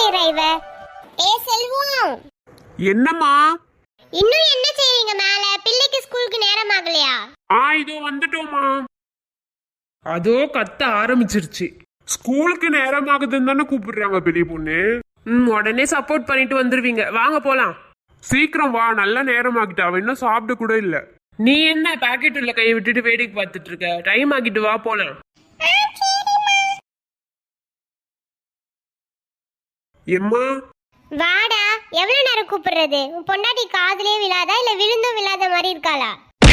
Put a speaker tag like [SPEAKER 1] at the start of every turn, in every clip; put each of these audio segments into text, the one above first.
[SPEAKER 1] செய்யற இவ? ஏ செல்வம்,
[SPEAKER 2] என்னம்மா?
[SPEAKER 1] இன்னும் என்ன செய்றீங்க மேல? பிள்ளைக்கு ஸ்கூலுக்கு நேரம் ஆகலையா?
[SPEAKER 2] இதோ வந்துட்டோமா. அதோ கத்த ஆரம்பிச்சிருச்சு. ஸ்கூலுக்கு நேரம் ஆகுதுன்னு தானே கூப்பிடுறாங்க பெரிய பொண்ணு.
[SPEAKER 3] உடனே சப்போர்ட் பண்ணிட்டு வந்துருவீங்க. வாங்க போலாம்.
[SPEAKER 2] சீக்கிரம் வா, நல்ல நேரம் ஆகிட்டு. அவ இன்னும் சாப்பிட கூட இல்ல.
[SPEAKER 3] நீ என்ன பாக்கெட் உள்ள கையை விட்டுட்டு வேடிக்கை பார்த்துட்டு இருக்க? டைம் ஆகிட்டு, வா போலாம்.
[SPEAKER 2] எம்மா
[SPEAKER 1] வாடா. எவ்வளவு நேரம் கூப்பிடுறது? உன் பொண்டாட்டி காதுலயே விழாதா இல்ல விழுந்தும் விழாத மாதிரி இருக்காளா?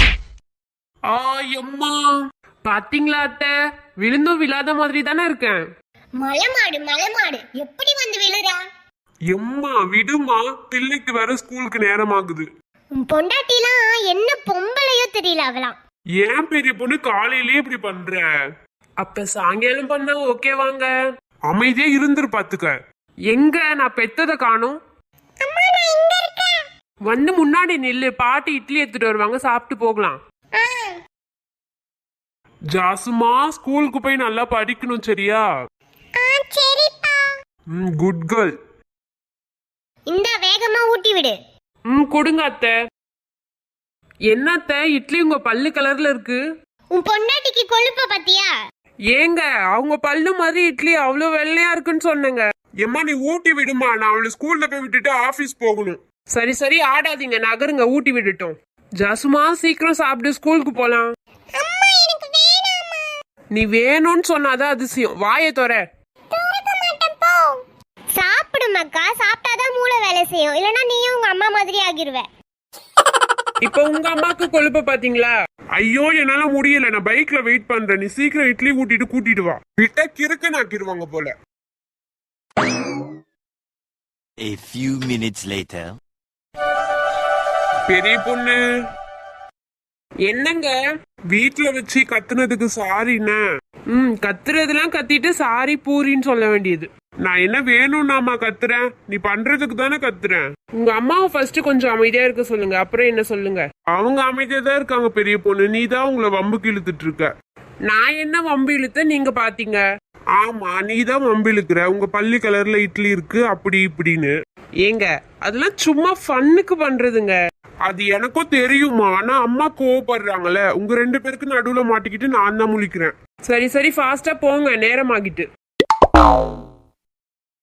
[SPEAKER 2] எம்மா,
[SPEAKER 3] பாத்தீங்களா அத்தை, விழுந்தும் விழாத மாதிரி தானே இருக்கேன்.
[SPEAKER 1] மலைமாடு எப்படி வந்து விழுறா?
[SPEAKER 2] எம்மா விடுமா, பிள்ளைக்கு வேற ஸ்கூலுக்கு நேரம் ஆகுது.
[SPEAKER 1] உன் பொண்டாட்டிலாம் என்ன பொம்பளையோ தெரியல அவளாம்.
[SPEAKER 2] ஏன் பெரிய பொண்ணு காலையிலேயே இப்படி பண்ற?
[SPEAKER 3] அப்ப சாயங்காலம் பண்ணா ஓகே வாங்க.
[SPEAKER 2] அமைதியா இருந்துரு பாத்துக்க.
[SPEAKER 3] எங்க நான் பெத்ததை காணும். வந்து முன்னாடி நில்லு, பாட்டி இட்லி எடுத்துட்டு வருவாங்க, சாப்பிட்டு போகலாம்.
[SPEAKER 2] ஜாசுமா, ஸ்கூலுக்கு போய் நல்லா படிக்கணும், சரியா? Good girl.
[SPEAKER 1] இந்த வேகமா ஊட்டி விடு.
[SPEAKER 3] கொடுங்க அத்தை. என்ன அத்தை, இட்லி உங்க பல்லு கலர்ல இருக்கு.
[SPEAKER 1] உன் பொண்டாட்டிக்கு கொழுப்ப பத்தியா?
[SPEAKER 3] ஏங்க, அவங்க பல்லு மாதிரி இட்லி அவ்வளவு வெள்ளையா இருக்குன்னு சொன்னங்க.
[SPEAKER 2] எம்மா நீ ஊட்டி விடுமா, நான் அவளை ஸ்கூல்ல போய் விட்டுட்டு ஆபீஸ் போகணும்.
[SPEAKER 3] சரி சரி, ஆடாதீங்க, நகருங்க, ஊட்டி விட்டுட்டோம். ஜாசுமா, சீக்கிரம் சாப்பிட்டு ஸ்கூலுக்கு போலாம். நீ வேணும்னு சொன்னாதான் அதிசயம். வாயை தோற.
[SPEAKER 1] சாப்பிடு மக்கா, சாப்பிட்டாதான் மூளை வேலை செய்யும். இல்லனா நீயும் உங்க அம்மா மாதிரி ஆகிருவ.
[SPEAKER 3] இப்ப உங்க அம்மாக்கு கொழுப்ப பாத்தீங்களா?
[SPEAKER 2] ஐயோ என்னால முடியல, நான் பைக்ல வெயிட் பண்றேன். நீ சீக்கிரம் இட்லி ஊட்டிட்டு கூட்டிட்டு வா. விட்டா கிறுக்கு நாக்கிடுவாங்க போல.
[SPEAKER 4] A few minutes later.
[SPEAKER 2] பெரிய பொண்ணு,
[SPEAKER 3] என்னங்க?
[SPEAKER 2] வீட்டுல வச்சு கத்துனதுக்கு சாரிண்ணே.
[SPEAKER 3] கத்துறதெல்லாம் கத்திட்டு சாரி பூரின்னு சொல்ல வேண்டியது.
[SPEAKER 2] நான் என்ன வேணும்னாமா கத்துறேன்? நீ பண்றதுக்கு தானே கத்துறேன்.
[SPEAKER 3] உங்க அம்மாவை ஃபர்ஸ்ட் கொஞ்சம் அமைதியா இருக்க சொல்லுங்க, அப்புறம் என்ன சொல்லுங்க.
[SPEAKER 2] அவங்க அமைதியா தான் இருக்காங்க பெரிய பொண்ணு. நீ தான் உங்களை வம்புக்கு இழுத்துட்டு இருக்க.
[SPEAKER 3] நான் என்ன வம்பு இழுத்த நீங்க பாத்தீங்க?
[SPEAKER 2] ஆமா, நீ தான் வம்பு இழுக்கிற. உங்க பள்ளி கலர்ல இட்லி இருக்கு அப்படி இப்படின்னு.
[SPEAKER 3] ஏங்க, அதெல்லாம் சும்மா ஃபன்னுக்கு பண்றதுங்க.
[SPEAKER 2] அது எனக்கும் தெரியுமா, ஆனா அம்மா கோவப்படுறாங்கல்ல. உங்க ரெண்டு பேருக்கு நடுவுல மாட்டிக்கிட்டு நான் தான் முழிக்கிறேன்.
[SPEAKER 3] சரி சரி, ஃபாஸ்டா போங்க, நேரம் ஆகிட்டு.